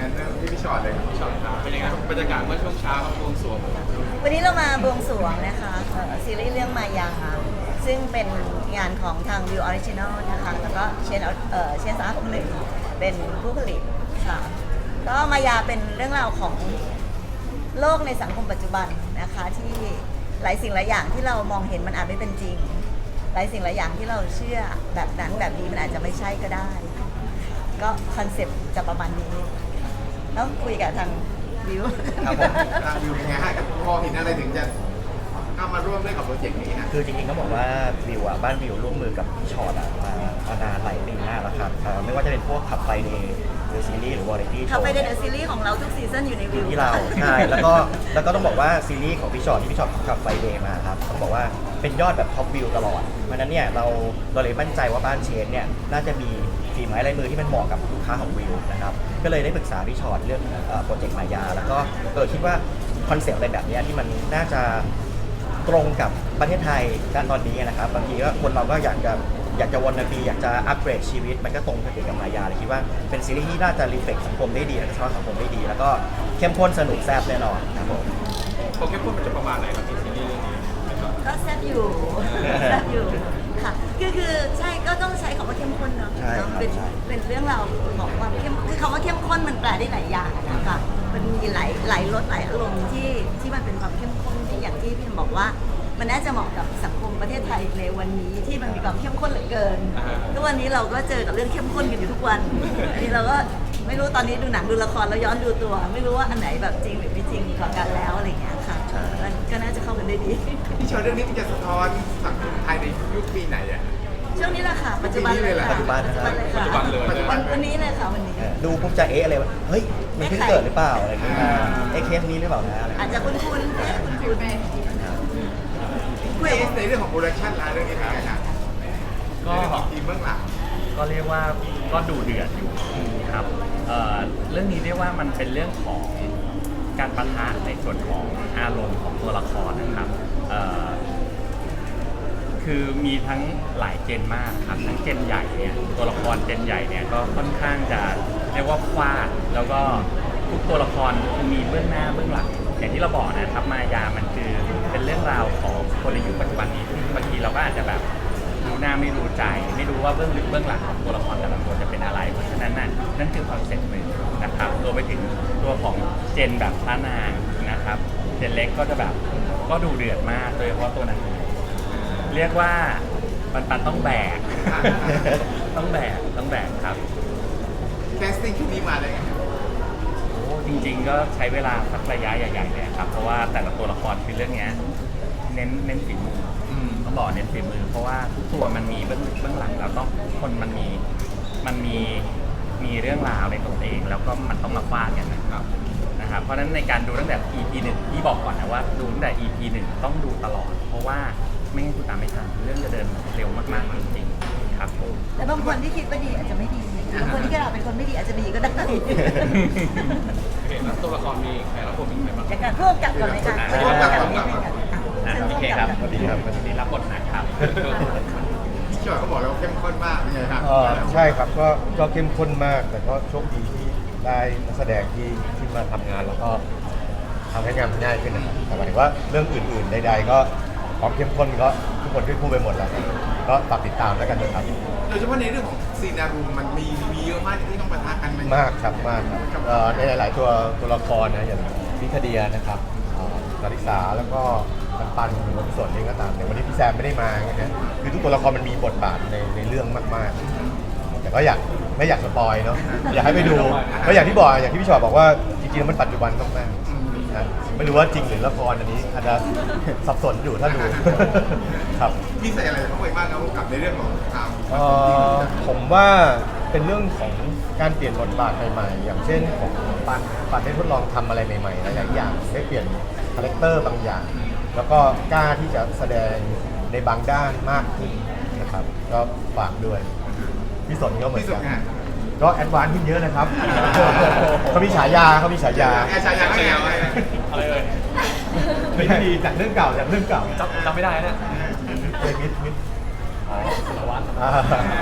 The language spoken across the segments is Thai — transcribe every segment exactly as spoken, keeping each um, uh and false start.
งั้นเรื่องที่พี่ชอตเลยครับพี่ชอตครับเป็นยังไงบรรยากาศเมื่อช่วงเช้าครับบวงสรวงวันนี้เรามาบวงสรวงนะคะเอ่อซีรีส์เรื่องมายาซึ่งเป็นงานของทาง View Original นะคะแล้วก็เชนเอ่อเชนสาขาหนึ่งเป็นผู้ผลิตค่ะก็มายาเป็นเรื่องราวของโลกในสังคมปัจจุบันนะคะที่หลายสิ่งหลายอย่างที่เรามองเห็นมันอาจไม่เป็นจริงหลายสิ่งหลายอย่างที่เราเชื่อแบบนั้นแบบนี้มันอาจจะไม่ใช่ก็ได้ก็คอนเซ็ปต์จะประมาณนี้ต้องคุยกับทางวิวครับผมทางวิวเป็นไงฮะพอเห็นอะไรถึงจะเข้ามาร่วมด้วยกับโปรเจกต์นี้ฮะคือจริงๆก็บอกว่าวิวอ่ะบ้านวิวร่วมมือกับพี่ชอตอ่ะมามานานหลายปีมากแล้วครับเอ่อไม่ว่าจะเป็นพวกขับไฟเดย์หรือซีรีส์หรือวาไรตี้โชว์ขับไฟเดย์เดอะซีรีส์ของเราทุกซีซั่นอยู่ในวิวที่เราใช่แล้วก็แล้วก็ต้องบอกว่าซีรีส์ของพี่ชอตที่พี่ชอตขับไฟเดย์มาครับต้องบอกว่าเป็นยอดแบบท็อปวิวตลอดเพราะฉะนั้นเนี่ยเราเราเลยมั่นใจว่าบ้านเชนเนี่ยน่าจะมีฝีไม้ลายมือที่มันเหมาะกับลูกค้าของวิวนะครับก็เลยได้ปรึกษาพี่ชอตเรื่องโปรเจกต์มายาแล้วก็เออคิดว่าคอนเซปต์อะไรแบบนี้ที่มันน่าจะตรงกับประเทศไทยณตอนนี้นะครับบางทีก็คนเราก็อยากจะอยากจะวนนาบีอยากจะอัปเกรดชีวิตมันก็ตรงกับเด็กกับมายาเลยคิดว่าเป็นซีรีส์ที่น่าจะรีเฟล็กสังคมได้ดีและสะท้อนสังคมได้ดีแล้วก็เข้มข้นสนุกแซ่บแน่นอนครับผมโปรเข้มข้นมันจะประมาณไหนครับที่ซีรีส์เรื่องนี้ก็แซ่บอยู่แซ่บอยู่ค่ะคือคือใช่ก็ต้องใช้คำว่าเข้มข้นเนาะเป็นเป็นเรื่องราวของความเข้มคือคำว่าเข้มข้นมันแปลได้หลายอย่างนะคะมันมีหลายหลายรสหลายอารมณ์ที่ที่มันเป็นความเข้มข้นที่อย่างที่พี่บอกว่ามันน่าจะเหมาะกับสังคมประเทศไทยในวันนี้ที่มันมีความเข้มข้นเหลือเกินทุกวันนี้เราก็เจอกับเรื่องเข้มข้นกันอยู่ทุกวันอันนี้เราก็ไม่รู้ตอนนี้ดูหนังดูละครแล้วย้อนดูตัวไม่รู้ว่าอันไหนแบบจริงหรือไม่จริงกว่ากันแล้วอะไรอย่างเงี้ยค่ะก็น่าจะเข้ากันได้ดีพี่ชอตเรื่องนี้มันจะสะท้อนสังคมไทยในยุคปีไหนอ่ะช่วงนี้แหละค่ะปัจจุบันเลยค่ะปัจจุบันเลยปัจจุบันเลยวันนี้เลยค่ะวันนี้ดูปุ๊บจะเอ๊ะอะไรวะเฮ้ยมันเพิ่งเกิดหรือเปล่าอะไรอย่างเงี้ยเอ๊ะเคสนี้หรือเปล่านะอะไรอาจจะคุ้นๆคุ้นๆคุยในเรื่องของโปรดักชั่นร้านเรื่องนี้เป็นไงครับก็ทีมเบื้องหลังก็เรียกว่าก็ดูเดือดอยู่ครับเอ่อเรื่องนี้เรียกว่ามันเป็นเรื่องของการปะทะในส่วนของอารมณ์ของตัวละครนะครับเอ่อคือมีทั้งหลายเจนมากครับทั้งเจนใหญ่เนี่ยตัวละครเจนใหญ่เนี่ยก็ค่อนข้างจะเรียกว่าฟาดแล้วก็ทุกตัวละครมีเบื้องหน้าเบื้องหลังอย่างที่เราบอกนะครับมายามันคือเป็นเรื่องราวของคนในยุคปัจจุบันนี้ที่บางทีเราก็อาจจะแบบรู้หน้าไม่รู้ใจไม่รู้ว่าเบื้องลึกเบื้องหลังของตัวละครแต่ละตัวจะเป็นอะไรเพราะฉะนั้นนั่นนั่นคือคอนเซ็ปต์หนึ่งนะครับรวมไปถึงตัวของเจนแบบพระนางนะครับเจนเล็กก็จะแบบก็ดูเดือดมากโดยเฉพาะตัวนั้นเรียกว่าปันปันต้องแบก ต้องแบกต้องแบกครับแคสติ้งชุดนี้มาเลยโอ้จริงๆก็ใช้เวลาสักระยะใหญ่ๆเลยครับเพราะว่าแต่ละตัวละครคือเรื่องนี้เน้นเน้นฝีมือต้องบอกเน้นฝีมือเพราะว่าทุกตัวมันมีเบื้องเบื้องหลังแล้วต้องคนมันมีมันมีมีเรื่องราวในตัวเองแล้วก็มันต้องมาฟาดกันนะครับนะครับเพราะฉะนั้นในการดูตั้งแต่ อี พี หนึ่งที่บอกก่อนนะว่าดูตั้งแต่ อี พี หนึ่งต้องดูตลอดเพราะว่าไม่งั้นคุณตามไม่ทันเรื่องจะเดินเร็วมากๆจริงๆครับผมแต่บางคนที่คิดว่าดีอาจจะไม่ดีบางคนที่คิดว่าเป็นคนไม่ดีอาจจะดีก็ได้เห็นแล้วตัวละครมีใครรับผมเป็นใครบ้างจากการเพิ่มกับก่อนไหมคะเพิ่มกับก่อนครับโอเคครับสวัสดีครับวันนี้รับบทนะครับพี่ชอตเขาบอกแล้วเข้มข้นมากใช่ไหมครับใช่ครับก็ก็เข้มข้นมากแต่ก็โชคดีที่ได้นักแสดงที่ที่มาทำงานแล้วก็ทำให้งานมันง่ายขึ้นนะครับแต่หมายถึงว่าเรื่องอื่นๆใดๆก็ความเข้มข้นก็ทุกคนก็พูดไปหมดแล้วก็ฝากติดตามแล้วกันนะครับโดยเฉพาะในเรื่องของซีนารูมันมีมีเยอะมากที่ต้องปะทะกันมากครับมากครับในหลายๆตัวตัวละครนะอย่างพิคเดียนะครับสาริสาแล้วก็ปันปันหรือว่าส่วนนี้ก็ตามในวันนี้พี่แซมไม่ได้มาไงฮะคือทุกตัวละครมันมีบทบาทในในเรื่องมากๆแต่ก็อยากไม่อยากสปอยเนาะอยากให้ไปดูเพราะอย่างที่บอกอย่างที่พี่ชอตบอกว่าจริงๆแล้วมันปัจจุบันมากๆไม่รู้ว่าจริงหรือละครอันนี้อาจจะสับสนอยู่ถ้าดูครับพี่ใส่อะไรเข้าไปบ้างครับกับในเรื่องของข่าวผมว่าเป็นเรื่องของการเปลี่ยนบทบาทใหม่ๆอย่างเช่นของปันปันได้ทดลองทำอะไรใหม่ๆหลายๆอย่างได้เปลี่ยนคาแรคเตอร์บางอย่างแล้วก็กล้าที่จะแสดงในบางด้านมากขึ้นนะครับก็ฝากด้วยพี่สนก็เหมือนกันก็แอดวานซ์ขึ้นเยอะนะครับเขามีฉายาเขามีฉายาฉายาอะไรอะไรเลยไม่ดีจากเรื่องเก่าจากเรื่องเก่าจำจำไม่ได้นะเมิดมิดอ๋อสารวัตร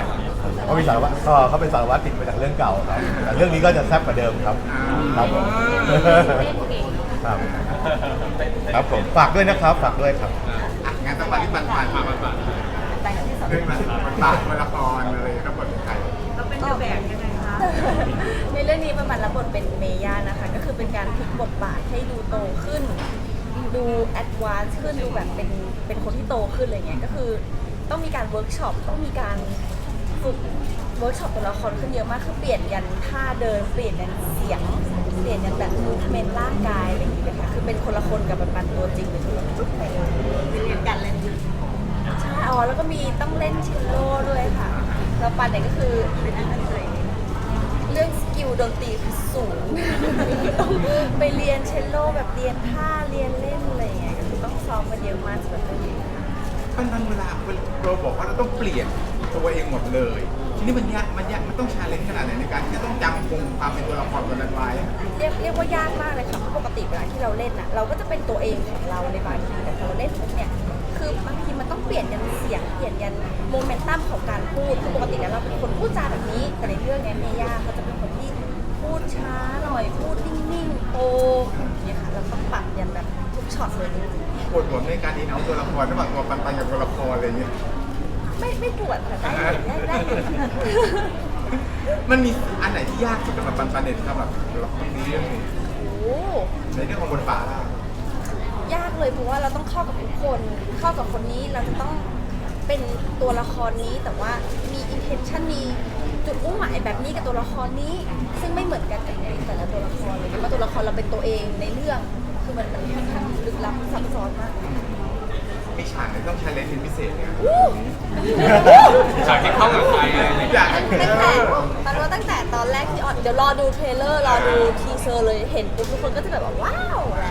เขามีสารวัตรก็เขาเป็นสารวัตรติดมาจากเรื่องเก่าครับแต่เรื่องนี้ก็จะแซ่บกว่าเดิมครับครับผมครับครับผมฝากด้วยนะครับฝากด้วยครับอ่ะงานต้องมาที่ปันปันมาปันปันแต่งที่สองเรื่องมันมันบาทมันละครเลยรับบทเป็นใครเราเป็นเดอะแบกยังไงคะในเรื่องนี้ประมาณรับบทเป็นเมย่านะคะ ก็คือเป็นการพลิกบทบาทให้ดูโตขึ้น ดูแอดวานซ์ขึ้นดูแบบเป็นเป็นคนที่โตขึ้นอะไรเงี้ยก็คือต้องมีการเวิร์กช็อปต้องมีการฝึกเวิร์กช็อปตัวละครขึ้นเยอะมากคือเปลี่ยนยันท่าเดินเปลี่ยนยันเสียงเปลี่ยนยันแบบมูฟเมนต์ร่างกายอะไรอย่างเงี้ยค่ะคือเป็นคนละคนกับปันๆตัวจริงเลยทุกไปเลยเรียนการเล่นใช่อ๋อแล้วก็มีต้องเล่นเชลโล่ด้วยค่ะแล้วปันเนี่ยก็คือเป็นอันนั้นเลยเรื่องสกิลดนตรีคือสูง ต้องไปเรียนเชลโลแบบเรียนท่าเรียนเล่นอะไรอย่างเงี้ยก็คือต้องซ้อมกันเยอะมากสำหรับเรื่องนี้ค่ะปันปันเวลาเราบอกว่าเราต้องเปลี่ยนตัวเองหมดเลยทีนี้มันยากมันยากมันต้องชาเลนจ์ขนาดไหนในการที่จะต้องจำคงความเป็นตัวละครตัวนั้นไว้เรียกเรียกว่ายากมากเลยค่ะเพราะปกติเวลาที่เราเล่นน่ะเราก็จะเป็นตัวเองของเราในบางทีแต่พอเราเล่นปุ๊บเนี่ยคือบางทีมันต้องเปลี่ยนยันเสียงเปลี่ยนยันโมเมนตัมของการพูดคือปกติแล้วเราเป็นคนพูดจาแบบนี้แต่ในเรื่องเนี้ยเมย่าเขาจะเป็นคนที่พูดช้าหน่อยพูดนิ่งๆโตอย่างเงี้ยค่ะเราต้องปรับยันแบบทุกช็อตเลยจริงๆปวดหัวในการอินเอาตัวละครระหว่างตัวปันปันกับตัวละครอะไรอย่างเงี้ยไม่ไม่ปวดค่ะได้ได้ได้ได้มันมีอันไหนที่ยากสุดสำหรับปันปันเนี่ยสำหรับตัวละครนี้เรื่องนี้โอ้ในเรื่องของบทบาทล่ะยากเลยเพราะว่าเราต้องเข้ากับทุกคน เข้ากับคนนี้เราจะต้องเป็นตัวละครนี้แต่ว่ามี intention มีจุดมุ่งหมายแบบนี้กับตัวละครนี้ ซึ่งไม่เหมือนกันกับในแต่ละตัวละครเลยเพราะว่าตัวละครเราเป็นตัวเองในเรื่องคือมันมันค่อนข้างลึกลับซับซ้อนมากมีฉากไหนต้องใช้เลนส์เป็นพิเศษเนี่ยฉากที่เข้ากับใครอะไรอย่างเงี้ยอยากตั้งแต่ตอนว่าตั้งแต่ตอนแรกที่ออนเดี๋ยวรอดูเทรลเลอร์รอดูทีเซอร์เลยเห็นปุ๊บทุกคนก็จะแบบว่าว้าวแล้ว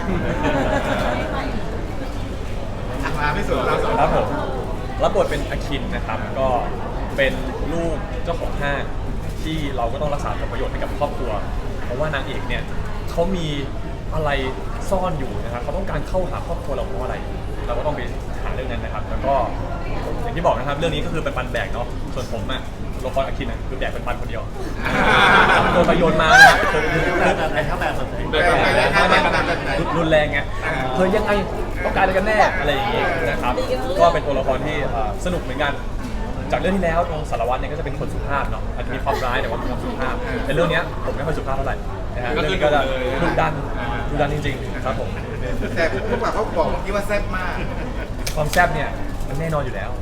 มาไม่สุดเราสองครับผมรับบทเป็นอาคินนะครับก็เป็นลูกเจ้าของห้างที่เราก็ต้องรักษาผลประโยชน์ให้กับครอบครัว เพราะว่านางเอกเนี่ยเขามีอะไรซ่อนอยู่นะครับเขาต้องการเข้าหาครอบครัวเราเพราะอะไร เราก็ต้องไปหาเรื่องนั้นนะครับ แล้วก็อย่างที่บอกนะครับเรื่องนี้ก็คือเป็นปันแบกเนาะส่วนผมอะตัวละครอาคินอะคือแบกเป็นปันคนเดียวโดนไปโยนมานะครับแบบไหนครับแบบไหนรุนแรงไงเฮ้ยยังไงต้องการอะไรกันแน่อะไรอย่างงี้นะครับก็เป็นตัวละครที่สนุกเหมือนกันจากเรื่องที่แล้วตรงสารวัตรเนี่ยก็จะเป็นคนสุภาพเนาะอาจจะมีความร้ายแต่ว่ามีความสุภาพแต่เรื่องนี้ผมไม่ค่อยสุภาพเท่าไหร่นะฮะเรื่องนี้ก็จะดุดันดุดันจริงๆครับผมแต่พวกเราเขาบอกเมื่อกี้ว่าแซ่บมากความแซ่บเนี่ยมันแน่นอนอยู่แล้ว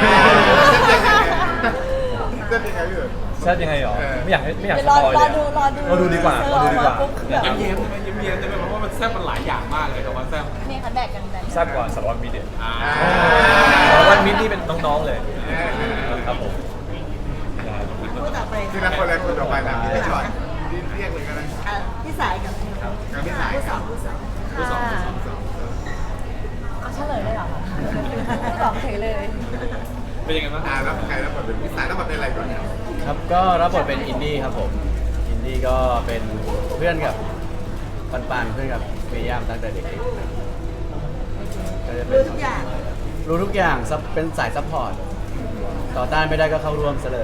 แซ่บยังไงพี่เอ๋แซ่บยังไงหรอไม่อยากให้ไม่อยากสรอปอยรเลอย ดูรอดูเราดูดีกว่าเราดูดีกว่าปุ๊บนะครับยิ้มๆยิ้มๆยิ้มๆใช่ไหมเพราะว่ามันแซ่บมันหลายอย่างมากเลยแต่ว่าแซ่บนี่ค่ะแบกกันแบกแซ่บกว่าสารวัตรมิตรเนี่ยอ่าสารวัตรมิตรนี่เป็นน้องๆเลยครับผมพูดต่อไปทีละคนเลยคนต่อไปนะพี่ชอตเรียกเลยก็ได้อ่ะพี่สายกับกับพี่สายผู้คสอรังบผู้สองผู้สองผู้สองเอาเฉลยเลยเหรอคะตอบเฉยเลยเป็นยังไงบ้างอ่าแล้วใครแล้วบทเป็นพี่สายแล้วบทเป็นอะไรก่อนเนี่ยครับก็รับบทเป็นอินดี้ครับผมอินดี้ก็เป็นเพื่อนกับปันปันเพื่อนกับเมย่ามตั้งแต่เด็กๆก็จะเป็นรู้ทุกอย่างรู้ทุกอย่างซับเป็นสายซัพพอร์ตต่อต้านไม่ได้ก็เข้าร่วมซะเลย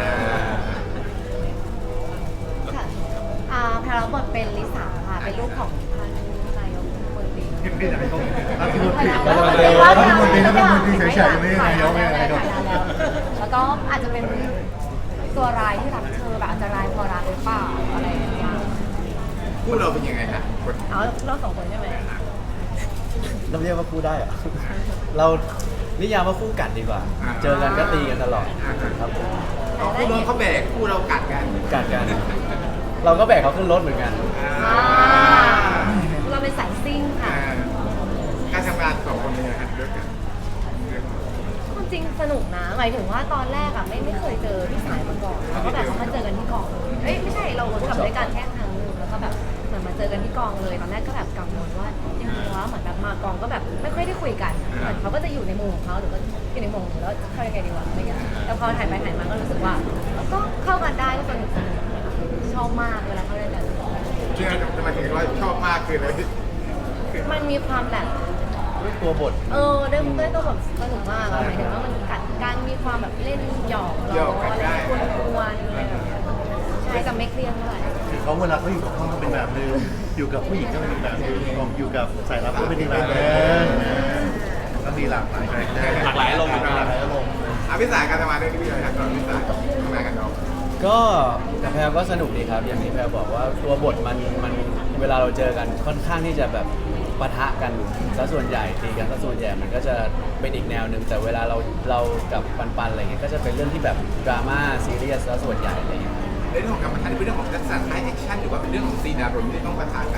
ค่ะอ่าแพรรับบทเป็นลิสาค่ะ เป็นลูกของท่านนายกรัฐมนตรีรัฐมนตรีรัฐมนตรีรัฐมนตรีรัฐมนตรีเฉยๆไม่ใช่นายกไม่ใช่นายกแล้วก็อาจจะเป็นตัวร้ายที่รักเธอแบบอาจจะร้ายพอรักหรือเปล่าอะไรอย่างเงี้ยพูดเราเป็นยังไงนะคนเอาเราสองคนใช่ไหมเราเรียกว่าคู่ได้เหรอ เรานิยามว่าคู่กัดดีกว่า เจอกันก็ตีกันตลอดครับผมเขาคู่นู้นเขาแบกคู่เรากัดกันกัดกัน เราก็แบกเขาขึ้นรถเหมือนกันอ่าเราเป็นสายซิ่งค่ะการทำงานสองคนเป็นยังไงด้วยกันความจริงสนุกนะ หมายถึงว่าตอนแรกอะไม่ไม่เคยเจอพี่สายมาก่อนแล้วก็แบบเขามาเจอกันที่กองเอ้ยไม่ใช่เราทำด้วยกันแค่ครั้งหนึงแล้วก็แบบเหมือนมาเจอกันที่กองเลยตอนแรกก็แบบกังวลว่ายังไงวะเหมือนแบบมากองก็แบบไม่ค่อยได้คุยกันเหมือนเขาก็จะอยู่ในมุมของเขาหรือว่าอยู่ในมุมของเราแล้วเข้ายังไงดีวะอะไรเงี้ยแต่พอถ่ายไปถ่ายมาก็รู้สึกว่าก็เข้ากันได้ก็สนุกสนุกชอบมากเวลาเขาเล่นกันที่ทำไมถึงว่าชอบมากคืออะไรมันมีความแบบด้วยตัวบทเออด้วยด้วยตัวแบบสนุกมากอะหมายถึงว่ามันกัดการมีความแบบเล่นหยอกหยล้ออกกันอะไรได้กวนๆอะไรแบบเนี้ยใช่กับไม่เครียดเท่าไหร่คือเขาเวลาเขาอยู่กับพ่อก็เป็นแบบนึงอยู่กับผู้หญิงก็เป็นอีกแบบนึงอยู่กับสายลับก็เป็นอีกแบบนึงก็มีหลากหลายคาแรคเตอร์หลากหลายอารมณ์หลากหลายอารมณ์อ่ะพี่สายการทำงานเรื่องนี้พี่เลยครับก่อนพี่สายทำงานกันน้องก็กับแพรก็สนุกดีครับ อย่างที่แพรบอกว่าตัวบทมันมันเวลาเราเจอกันค่อนข้างที่จะแบบปะทะกันซะส่วนใหญ่ตีกันซะส่วนใหญ่มันก็จะเป็นอีกแนวหนึ่งแต่เวลาเราเรากับปันๆอะไรเงี้ยก็จะเป็นเรื่องที่แบบดราม่าซีเรียสซะส่วนใหญ่อะไรเงี้ยในเรื่องของการประทะเป็นเรื่องของลักษณะท้ายแอคชั่นหรือว่าเป็นเรื่องของซีนอารมณ์ที่ต้องประทะกัน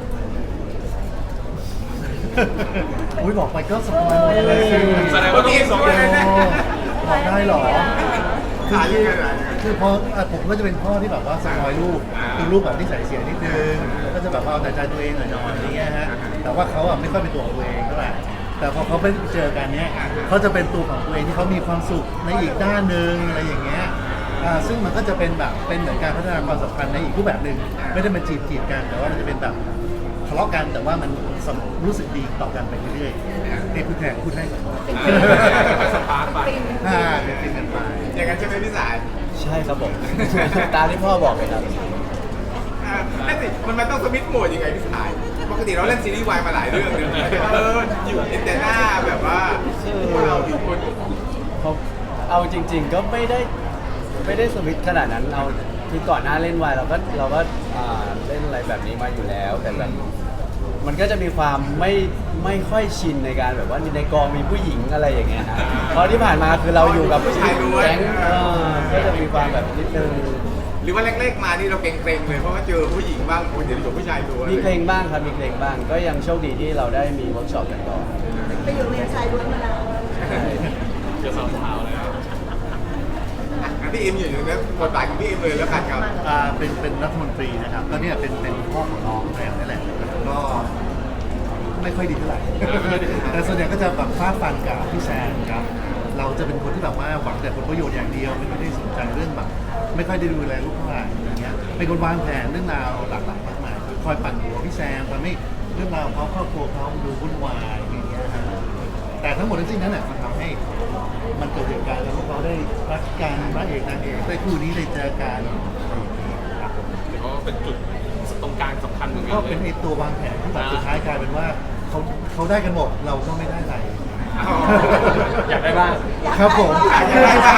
อุ้ยบอกไปก็สปอยหมดเลยแสดงว่าต้องมีสองโอ้บอกได้เหรอขายยังไงล่ะคือพออ่ะผมก็จะเป็นพ่อที่แบบว่าสปอยลูกคือลูกแบบนิสัยเสียนิดนึงแล้วก็จะแบบว่าเอาแต่ใจตัวเองหน่อยๆอะไรเงี้ยฮะแต่ว่าเขาอ่ะไม่ค่อยเป็นตัวของตัวเองเท่าไหร่แต่พอเขาไปเจอกันเนี้ยเขาจะเป็นตัวของตัวเองที่เขามีความสุขในอีกด้านหนึ่งอะไรอย่างเงี้ยอ่าซึ่งมันก็จะเป็นแบบเป็นเหมือนการพัฒนาความสัมพันธ์ในอีกรูปแบบหนึ่งไม่ได้มาจีบจีบกันแต่ว่ามันจะเป็นแบบทะเลาะกันแต่ว่ามันรู้สึกดีต่อกันไปเรื่อยๆนี่พูดแทนพูดให้ก่อนสปาร์คไปอ่าเป็นเป็นกันไปอย่างนั้นใช่ไหมพี่สายใช่ครับผม ตามที่พ่อบอกเลยครับอ่านั่นสิมันมันต้องสวิตช์โหมดยังไงพี่สายปกติเราเล่นซีรีส์วายมาหลายเรื่องเลยเอออยู่แต่หน้าแบบว่าพวกเราอยู่คนเขาเอาจริง ๆ ก็ไม่ได้ไม่ได้สวิตช์ขนาดนั้นเอาคือก่อนหน้าเล่นวายเราก็เราก็อ่าเล่นอะไรแบบนี้มาอยู่แล้ว แต่แบบมันก็จะมีความไม่ไม่ค่อยชินในการแบบว่าในกองมีผู้หญิงอะไรอย่างเงี้ยฮะเพราะที่ผ่านมาคือเราอยู่กับผู้ชายแก๊งเออก็จะมีความแบบนิดนึงหรือว่าแรกๆมานี่เราเกรงๆเลยเพราะว่าเจอผู้หญิงบ้างคนเดี๋ยวอยู่ผู้ชายล้วนมีเพลงบ้างครับมีเพลงบ้าง ก็ยังโชคดีที่เราได้มีเวิร์กช็อปกันก่อนไปอยู่เรียนชายล้วนมานานเจอสาวๆเลยอ่ะงั้นพี่เอ็มอยู่ในนั้นบทบาทของพี่เอ็มเลยแล้วกันครับอ่าเป็นเป็นรัฐมนตรีนะครับก็เนี่ยเป็นเป็นพ่อของน้องแพรนี่แหละก็ไม่ค่อยดีเท่าไหร่ แต่ส่วนใหญ่ก็จะแบบฟาดฟันกับพี่แซมครับเราจะเป็นคนที่แบบว่าหวังแต่ผลประโยชน์อย่างเดียวไม่ได้สนใจเรื่องแบบไม่ค่อยได้ดูแลลูกเท่าไหร่อย่างเงี้ยเป็นคนวางแผนเรื่องราวหลากหลายมากมายคอยปั่นหัวพี่แซมทำให้เรื่องราวของเขาครอบครัวเขาดูวุ่นวายอย่างเงี้ยครับแต่ทั้งหมดทั้งสิ้นนั้นน่ะมันทำให้มันเกิดเหตุการณ์แล้วพวกเขาได้รักกันพระเอกนางเอกได้คู่นี้ได้เจอกันครับผมเดี๋ยวก็เป็นจุดตรงกลางสำคัญเหมือนกันก็เลเป็นยไอตัววางแผนที่แบบสุดท้ายกลายเป็นว่าเขาเขาได้กันหมดเราก็ไม่ได้อะไรอยากได้บ้างครับผมอยากได้บ้าง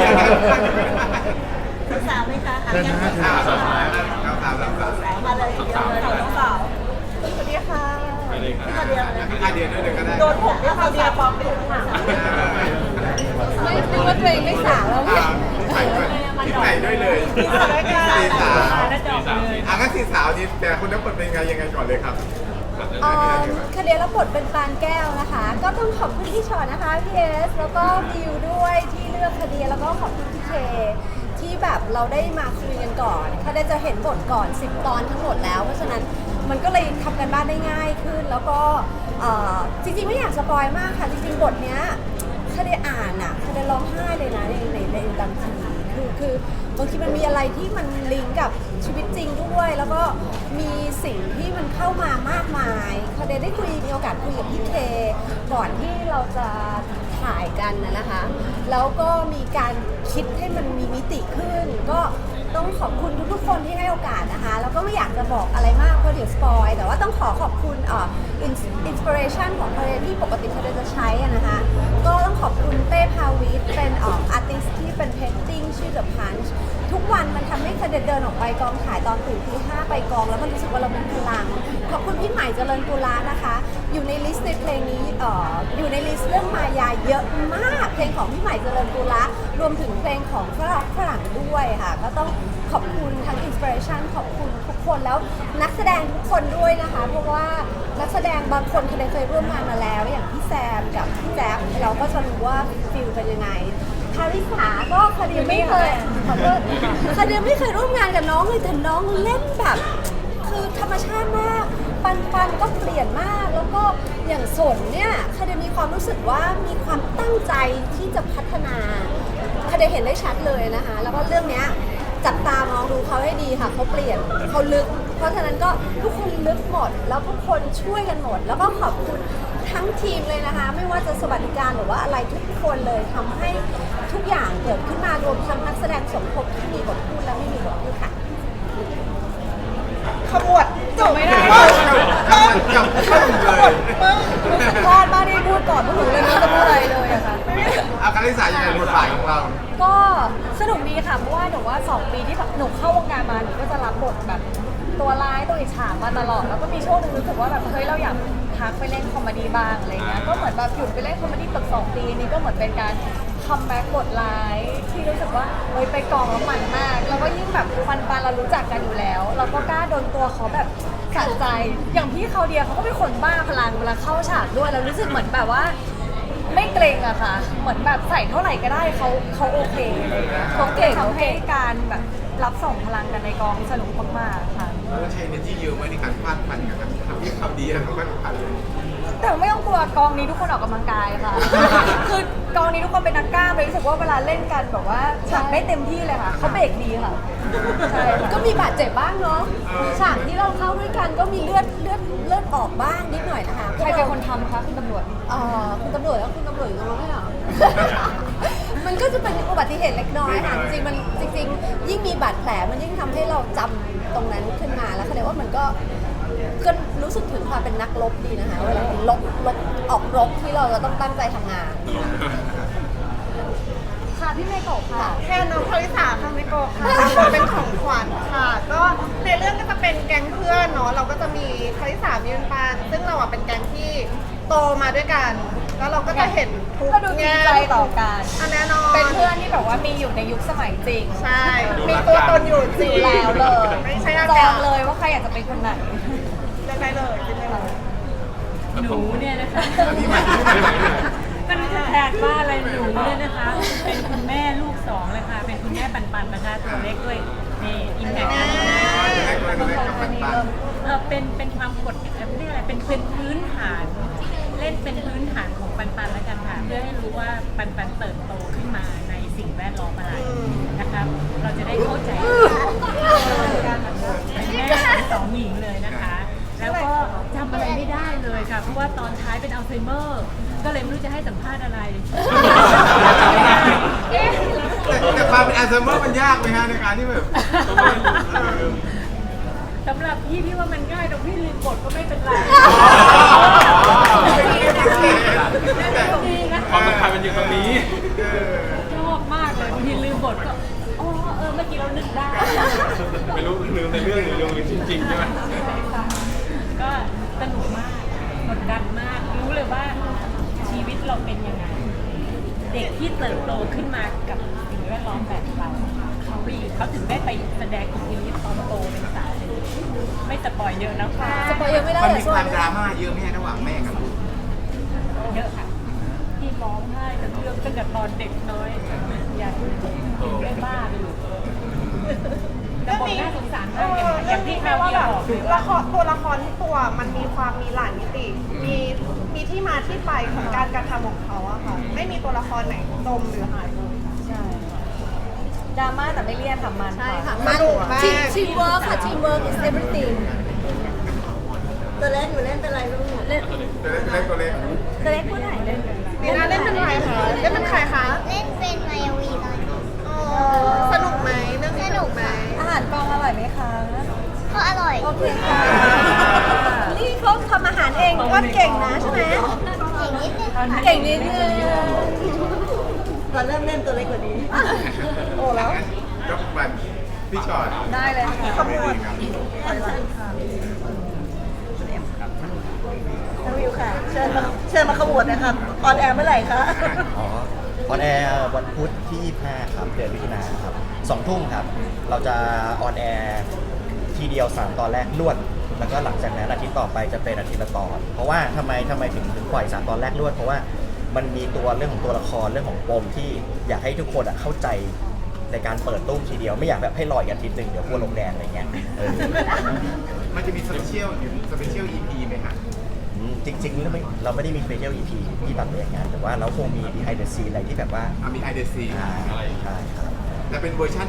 ศึกษาไหมคะเชิญนะฮะอ่าสาวสาวสาวสาวสาวสาวมาเลยเดียวเลยน้องสาวสวัสดีค่ะไปเลยครับพี่มาเดียวเลยอ่ะเดียวด้วยเลยก็ได้โดนผมด้วยค่ะเดียวปลอมเป็นค่ะไม่นึกว่าตัวเองไม่สาวแล้วอ่าใส่ด้วยใส่ด้วยเลยสี่สาวอ่ะงั้นสี่สาวนี่แต่คุณต้องเปิดเป็นไงยังไงก่อนเลยครับอ่าคดีรับบทเป็นปานแก้วนะคะ ก็ต้องขอบคุณพี่ชอตนะคะพี่เอสแล้วก็บิวด้วยที่เลือกคดีแล้วก็ขอบคุณพี่เคที่แบบเราได้มาคุยกันก่อนเขาได้จะเห็นบทก่อนสิบตอนทั้งหมดแล้วเพราะฉะนั้นมันก็เลยทำกันบ้านได้ง่ายขึ้น แล้วก็เอ่อจริงๆไม่อยากสปอยมากค่ะจริงๆบทเนี้ยคดีอ่านอ่ะคดีร้องไห้เลยนะในในในบางทีคือคือบางทีมันมีอะไรที่มันลิงก์กับชีวิตจริงด้วย แล้วก็มีสิ่งที่มันเข้ามามากมายคดีได้คุยมีโอกาสคุยกับพี่เคก่อนที่เราจะถ่ายกันนะนะคะ แล้วก็มีการคิดให้มันมีมิติขึ้น ก็ต้องขอบคุณทุกๆคนที่ให้โอกาสนะคะ แล้วก็ไม่อยากจะบอกอะไรมากเพราะเดี๋ยวสปอยแต่ว่าต้องขอขอบคุณเอ่ออินสปิเรชันของเพลงที่ปกติเพลงจะใช้อะนะคะ ก็ต้องขอบคุณเต้พาวิทเป็นเอ่ออาร์ติสที่เป็นเพนติ้งชื่อ The Punch ทุกวันมันทำให้คะแนนเดินออกไปกองถ่ายตอนตื่นตีห้าไปกองแล้วมันรู้สึกว่าเรามีพลัง ขอบคุณพี่ใหม่เจริญกุลานะคะ อยู่ในลิสต์ในเพลงนี้เอ่ออยู่ในลิสต์เรื่องมายาเยอะมากเพลงของพี่ใหม่เจริญกุลารวมถึงเพลงของฝรั่งฝรั่งด้วยค่ะก็ต้องขอบคุณทั้งอินสปิเรชันขอบคุณทุกคนแล้วนักแสดงทุกคนด้วยนะคะเพราะว่านักแสดงบางคนเคยเคยร่วมงานมาแล้วอย่างพี่แซมกับพี่แจ๊บเราก็จะรู้ว่าฟิลเป็นยังไงคาริสาก็คดีไม่เคยขอโทษคดีไม่เคยร่วมงานกับน้องเลยแต่น้องเล่นแบบคือธรรมชาติมากปันปันก็เปลี่ยนมากแล้วก็อย่างสนเนี่ยคดีมีความรู้สึกว่ามีความตั้งใจที่จะพัฒนาคดีเห็นได้ชัดเลยนะคะแล้วก็เรื่องเนี้ยจับตามองดูเขาให้ดีค่ะเขาเปลี่ยนเขาลึกเพราะฉะนั้นก็ทุกคนลึกหมดแล้วทุกคนช่วยกันหมด แล้วก็ขอบคุณทั้งทีมเลยนะคะ ไม่ว่าจะสวัสดิการหรือว่าอะไรทุกคนเลยทำให้ทุกอย่างเกิดขึ้นมารวมทั้งนักแสดงสมทบที่มีบทพูดและไม่มีบทพูดค่ะขมวดจบไม่ได้จับเข้าเลยพลาดมากที่พูดก่อนพวกหนูเลยไม่รู้จะพูดอะไรเลยอะค่ะอาการลิสายังไงบทบาทของเราก็สนุกดีค่ะเพราะว่าหนูว่าสองปีที่หนูเข้าวงการมาหนูก็จะรับบทแบบตัวร้ายตัวอิจฉามาตลอดแล้วก็มีช่วงหนึงรู้สึกว่าแบบเฮ้ยเราอยากพักไปเล่นคอมเมดี้บ้างอะไรเงี้ยก็เหมือนแบบหยุดไปเล่นคอมเมดี้เกือบสองปีนี้ก็เหมือนเป็นการคัมแบ็กบทร้ายที่รู้สึกว่าเฮ้ยไปกองแล้วมันมากแล้วก็ยิ่งแบบฟันปานเรารู้จักกันอยู่แล้ว เราก็กล้าโดนตัวเขาแบบสะใจอย่างพี่เขาเดียเขาก็เป็นคนบ้าพลังเวลาเข้าฉากด้วยเรารู้สึกเหมือนแบบว่า ไม่เกรงอะค่ะ เหมือนแบบใส่เท่าไหร่ก็ได้เขาเขาโอเคอะไรเงี้ยเขาเก่งทำให้การแบบรับส่งพลังกันในกองสนุกมากๆค่ะเราใช้ energy เยอะไหมในการฟาดฟันกับทำที่ทำดีแล้วก็ฟาดฟันเลยแต่ไม่ต้องกลัวกองนี้ทุกคนออกกำลังกายค่ะ คือกองนี้ทุกคนเป็นนักกล้ามเลยรู้สึกว่าเวลาเล่นกันแบบว่าฉากได้เต็มที่เลยค่ะเขาเบรกดีค่ะใช่ค่ะก็มีบาดเจ็บบ้างเนาะฉากที่เราเข้าด้วยกันก็มีเลือดเลือดเลือดออกบ้างนิดหน่อยนะคะใครเป็นคนทำคะคุณตำรวจเอ่อคุณตำรวจแล้วคุณตำรวจอยู่ตรงนั้นไม่เหรอ มันก็จะเป็นอุบัติเหตุเล็กน้อยค่ะจริงๆมันจริงๆ ยิ่งมีบาดแผลมันยิ่งทำให้เราจำตรงนั้นขึ้นมาแล้วแสดงว่ามันก็ก็รู้สึกถึงความเป็นนักรบดีนะคะเวลาเป็นลบลบออกรบที่เราจะต้องตั้งใจทำงานค่ะพี่เมโกะค่ะแค่น้องคาริสาค่ะไม่โกะค่ะเป็นของขวัญค่ะ ก็ในเรื่องก็จะเป็นแก๊งเพื่อนเนาะเราก็จะมีคาริสามีเป็นปานซึ่งเราอ่ะเป็นแก๊งที่โตมาด้วยกัน แล้วเราก็จะเห็นทุกก็ดูจริงใจต่อกันอันแน่นอนเป็นเพื่อนที่แบบว่ามีอยู่ในยุคสมัยจริงใช่ มีตัวตนอยู่จริงแล้วเลยไม่ใช่อาจกาอศงเลยว่าใครอยากจะเป็นคนไหนเลือกได้เลยเลือกได้เลยหนูเนี่ยนะคะพี่ใหม่พี่ใหม่มันจะแทนว่าอะไรหนูเนี่ยนะคะ เป็นคุณแม่ลูกสองเลยค่ะ เป็นคุณแม่ปันปันนะคะตัวเล็กด้วยนี่อิมแพคเออเป็นเป็นความกดเรียกอะไรเป็นเป็นพื้นฐาน เล่นเป็นพื้นฐานของปันปันแล้วกันค่ะ เพื่อให้รู้ว่าปันปันเติบโตขึ้นมาในสิ่งแวดล้อมอะไรนะคะเราจะได้เข้าใจการเป็นแม่ของสองหญิงเลยนะคะ แล้วก็จำอะไรไม่ได้เลยค่ะ เพราะว่าตอนท้ายเป็นอัลไซเมอร์ ก็เลยไม่รู้จะให้สัมภาษณ์อะไรแต่ความเป็นอัลไซเมอร์มันยากไหมฮะในการที่แบบสำหรับพี่พี่ว่ามันง่ายตรงพี่ลืมบทก็ไม่เป็นไรดีนะความสำคัญมันอยู่ตรงนี้ชอบมากเลยบางทีลืมบทก็อ๋อเออเมื่อกี้เรานึกได้ไม่รู้ลืมในเรื่องหรือลืมจริงๆใช่ไหมก็สนุกมากกดดันมากรู้เลยว่าชีวิตเราเป็นยังไง เด็กที่เติบโตขึ้นมากับสิ่งแวดล้อมแบบเราเขาไปเขาถึงได้ไปแสดงอิทธิฤทธิ์ตอนโตเป็นสาวไม่สปอยเยอะนะคะสปอยเยอะไม่ได้มันแต่มีช่คว วาย มดราม่าเยอะไหมฮะระหว่างแม่กับลูกเยอะค่ะที่ร้องไห้กับเรื่องตั้งแต่ตอนเด็กน้อยอยากได้บ้าไปอยู่แต่บทน่าสงสารมากอย่างอย่างที่คราวที่บอกเลยว่าละครตัวละครทุกตัวมันมีความมีหลายมิติ มีมีที่มาที่ไปของการกระทำของเขาอะค่ะ ไม่มีตัวละครไหนจมหรือหายไปใช่ดราม่าแต่ไม่เลี่ยนค่ะมันใช่ค่ะสมันนุกมากทีมทีมเวิร์คค่ะทีมเวิร์ค is everything ตัวเล่นหนูเล่นเป็นอะไรลูกเล่นตัวเล็กตัวเล็กตัวเล็กผู้ไหนเล่นนีน่าเล่นเป็นใครคะเล่นเป็นใครคะเล่นเป็นมายาวีตอนนี้อ๋อสนุกไหมเรื่องนี้สนุกไหมอาหารกองอร่อยไหมคะก็อร่อยโอเคค่ะนี่เขาทำอาหารเองก็เก่งนะใช่ไหมเก่งนิดนึงค่ะเก่งนิดนึงตอนเริ่มเล่นตัวเล็กกว่านี้โอ้แล้วยกบันพี่ชอตได้เลยค่ะขบวนน้องวิวค่ะ เชิญมาเชิญมาขบวนนะครับออนแอร์เมื่อไหร่คะอ๋อออนแอร์วันพุธที่ยี่สิบห้าครับเดือนมิถุนายนครับสองทุ่มครับ เราจะออนแอร์ทีเดียวสามตอนแรกรวด แล้วก็หลังจากนั้นอาทิตย์ต่อไปจะเป็นอาทิตย์ละตอน เพราะว่าทำไมทำไมถึงถึงปล่อยสามตอนแรกรวด เพราะว่ามันมีตัวเรื่องของตัวละครเรื่องของปมที่อยากให้ทุกคนอะเข้าใจในการเปิดตู้มทีเดียวไม่อยากแบบให้รออีกอาทิตย์หนึ่งเดี๋ยวกลัวลงแดงอะไรเงี้ยเออมันจะมีสเปเชียลสเปเชียล อี พี ไหมฮะอืมจริงๆเราไม่เราไม่ได้มี special อี พี ที่ตัดไปอย่างนั้นแต่ว่าเราคงมี behind the scene อะไรที่แบบว่าอ่ะมีไฮเดซีอ่าใช่ครับแต่เป็นเวอร์ชันอันคัด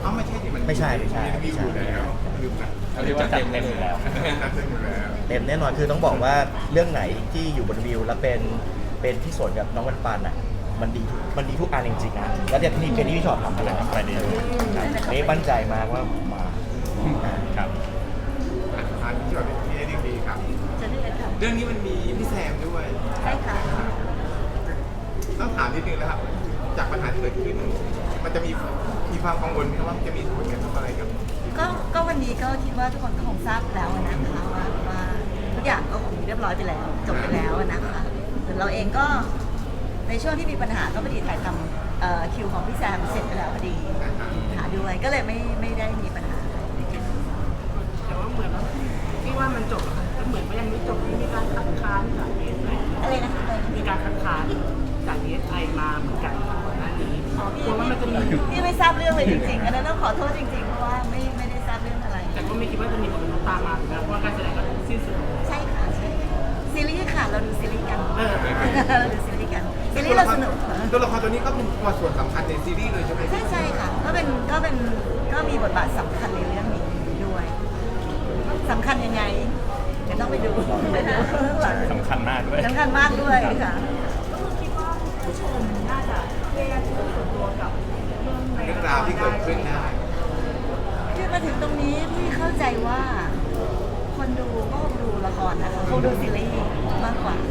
เอ้าไม่ใช่ที่มันไม่ใช่ไม่ใช่มีอยู่แล้วลืมนะเขาเรียกว่าจัดเต็มอยู่แล้วนัดเต็มอยู่แล้วเต็มแน่นอนคือต้องบอกว่าเรื่องไหนที่อยู่บนวิวแล้วเป็นเป็นที่สวนกับน้องวันปันอ่ะมันดีทุกมันดีทุกอันจริงๆนะแล้วเดี๋ยวที่นี่เป็นที่พี่ชอบทำอะไรไปดีนี่มั่นใจมากว่ามาครับอ่ะทานที่แบบที่ได้ดีครับจะได้ค่ะเรื่องนี้มันมีพี่แซมด้วยใช่ค่ะต้องถามนิดนึงนะครับ จากปัญหาที่เกิดขึ้น มันจะมีมีความกังวลไหมครับว่าจะมีผลกระทบอะไรกับก็ก็วันนี้ก็คิดว่าทุกคนก็คงทราบแล้วนะคะว่าว่าทุกอย่างก็คงเรียบร้อยไปแล้วจบไปแล้วนะคะส่วนเราเองก็ในช่วงที่มีปัญหาก็พอดีถ่ายทำเอ่อคิวของพี่แซมเสร็จไปแล้วพอดีหาด้วยก็เลยไม่ไม่ได้มีปัญหาแต่ว่าเหมือนว่าที่ว่ามันจบอะค่ะแต่เหมือนว่ายังไม่จบมีการคัดค้านจากดีเอสไออะไรนะคะมีการคัดค้านจากดีเอสไอมาเหมือนกันก่อนหน้านี้กลัวว่ามันจะมีพี่ไม่ทราบเรื่องเลยจริงๆอันนั้นต้องขอโทษจริงๆเพราะว่าไม่ไม่ได้ทราบเรื่องอะไรแต่ก็ไม่คิดว่าจะมีผลกระทบตามมาถึงแม้ว่าการแสดงก็สิ้นสุดใช่ค่ะใช่ซีรีส์ค่ะเราดูซีรีส์กันเออเราดูซีรีส์กันซีรีส์เราสนุกตัวละครตัวนี้ก็เป็นตัวส่วนสำคัญในซีรีส์เลยใช่ไหมใช่ใช่ค่ะก็เป็นก็เป็นก็มีบทบาทสำคัญในเรื่องนี้ด้วยสำคัญยังไงเดี๋ยวต้องไปดูสำคัญมากด้วยสำคัญมากด้วยค่ะก็คือคิดว่าผู้ชมน่าจะเครียดส่วนตัวกับเรื่องในเรื่องราวที่เกิดขึ้นได้คือมาถึงตรงนี้พี่เข้าใจว่า คนดูก็คงดูละครนะคะคงดูซีรีส์มากกว่า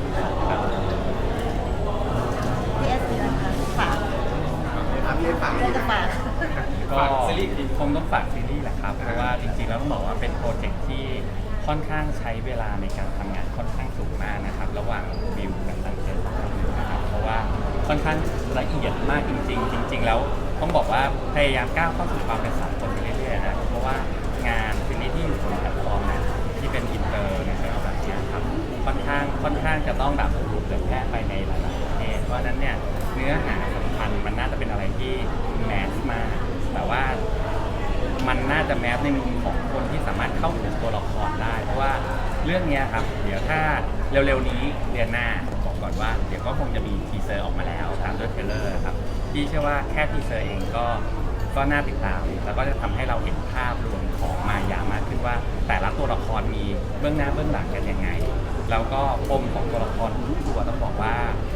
พี่เอสพีนะคะฝากอาพี่ให้ฟังเรื่องจะฝากก็คงต้องฝากซีรีส์แหละครับ เพราะว่าจริงๆแล้วต้องบอกว่าเป็นโปรเจกต์ที่ค่อนข้างใช้เวลาในการทำงานค่อนข้างสูงมากนะครับ ระหว่างบิวกับทางเจนนะครับเพราะว่าค่อนข้างละเอียดมากจริง ๆ จริง ๆ แล้วต้องบอกว่าพยายามก้าวเข้าสู่ความเป็นสากลไปเรื่อยๆนะเพราะว่างานซีรีส์ที่อยู่บนแพลตฟอร์มนะที่เป็นอินเตอร์นะครับแบบนี้ครับค่อนข้างค่อนข้างจะต้องแบบถูกเผยแพร่ไปในหลายๆประเทศเพราะฉะนั้นเนี่ยเนื้อหาสำคัญมันน่าจะเป็นอะไรที่แมสมากแต่ว่ามันน่าจะแมสในมุมของคนที่สามารถเข้าถึงตัวละครได้เพราะว่าเรื่องนี้ครับเดี๋ยวถ้าเร็วๆนี้เดือนหน้าบอกก่อนว่าเดี๋ยวก็คงจะมีทีเซอร์ออกมาแล้วตามด้วยเทรลเลอร์ครับที่เชื่อว่าแค่ทีเซอร์เองก็ก็น่าติดตามแล้วก็จะทำให้เราเห็นภาพรวมของมายามากขึ้นว่าแต่ละตัวละครมีเบื้องหน้าเบื้องหลังกันยังไงแล้วก็ปมของตัวละครทุกตัวต้องบอกว่า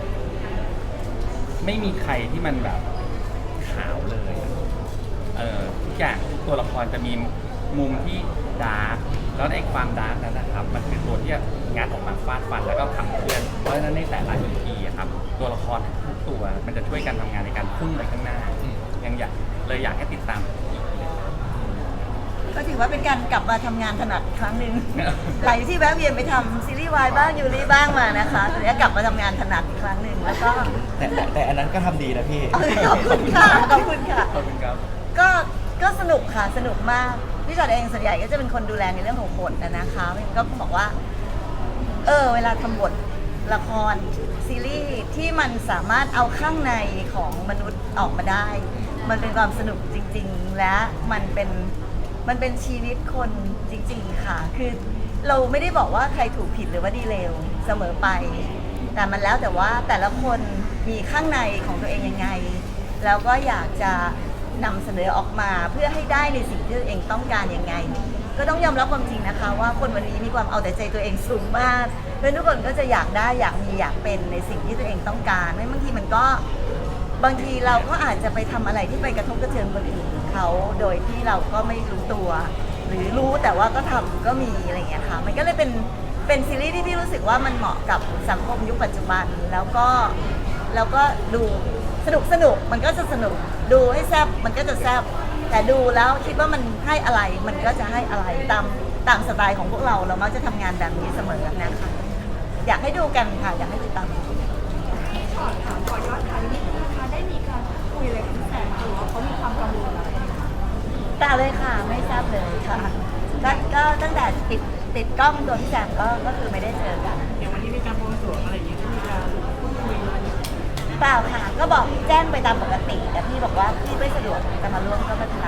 ไม่มีใครที่มันแบบขาวเลยเออทุกอย่างทุกตัวละครจะมีมุมที่ดาร์กแล้วในความดาร์กนั้นนะครับมันคือตัวที่งัดออกมาฟาดฟันแล้วก็ทำเพื่อนเพราะฉะนั้นในแต่ละ อี พีอะครับตัวละครทุกตัวมันจะช่วยกันทำงานในการพุ่งไปข้างหน้ายังอยากเลยอยากให้ติดตามอีกเลยก็ถือว่าเป็นการกลับมาทำงานถนัดอีกครั้งหนึ่ง หลังที่แวะเวียนไปทำซีรีส์วายบ้างยูริบ้างมานะคะตอนนี้กลับมาทำงานถนัดอีกครั้งหนึ่งแล้วก็แต่แต่แต่อันนั้นก็ทำดีนะพี่ขอบคุณค่ะขอบคุณค่ะขอบคุณครับก็ก็สนุกค่ะสนุกมากพี่จอดเองส่วนใหญ่ก็จะเป็นคนดูแลในเรื่องของบทนะนะคะก็บอกว่า เออเวลาทำบทละครซีรีส์ที่มันสามารถเอาข้างในของมนุษย์ออกมาได้ มันเป็นความสนุกจริง ๆ และมันเป็นมันเป็นชีวิตคนจริง ๆ ค่ะ คือเราไม่ได้บอกว่าใครถูกผิดหรือว่าดีเลวเสมอไป แต่มันแล้วแต่ว่าแต่ละคนมีข้างในของตัวเองยังไง แล้วก็อยากจะนำเสนอออกมาเพื่อให้ได้ในสิ่งที่ตัวเองต้องการยังไง ก็ต้องยอมรับความจริงนะคะว่าคนวันนี้มีความเอาแต่ใจตัวเองสูงมากเพื่อนทุกคนก็จะอยากได้อยากมีอยากเป็นในสิ่งที่ตัวเองต้องการไม่บางทีมันก็บางทีเราก็อาจจะไปทำอะไรที่ไปกระทบกระเทือนคนอื่นเขาโดยที่เราก็ไม่รู้ตัว หรือรู้แต่ว่าก็ทำก็มีอะไรอย่างเงี้ยค่ะมันก็เลยเป็นเป็นซีรีส์ที่พี่รู้สึกว่ามันเหมาะกับสังคมยุคปัจจุบันแล้วก็แล้วก็ดูสนุกสนุกมันก็จะสนุกดูให้แซ่บมันก็จะแซ่บแต่ดูแล้วคิดว่ามันให้อะไรมันก็จะให้อะไรตามตามสไตล์ของพวกเราเรามักจะทำงานแบบนี้เสมอนะคะอยากให้ดูกันค่ะอยากให้ติดตามขอถามขอยอดค่ะนิดนึงนะคะได้มีการคุยอะไรกับพี่แซมหรือว่าเขามีความกังวลอะไรไหมคะตาเลยค่ะไม่ทราบเลยค่ะก็ก็ตั้งแต่ติดติดกล้องตัวพี่แซมก็ก็คือไม่ได้เจอกันเดี๋ยววันนี้มีการบวงสรวงอะไรอย่างเงี้ยที่มีการพูดคุยอะไรเปล่าค่ะก็บอกแจ้งไปตามปกติแต่พี่บอกว่าพี่ไม่สะดวกจะมาร่วมก็ไม่เป็นไร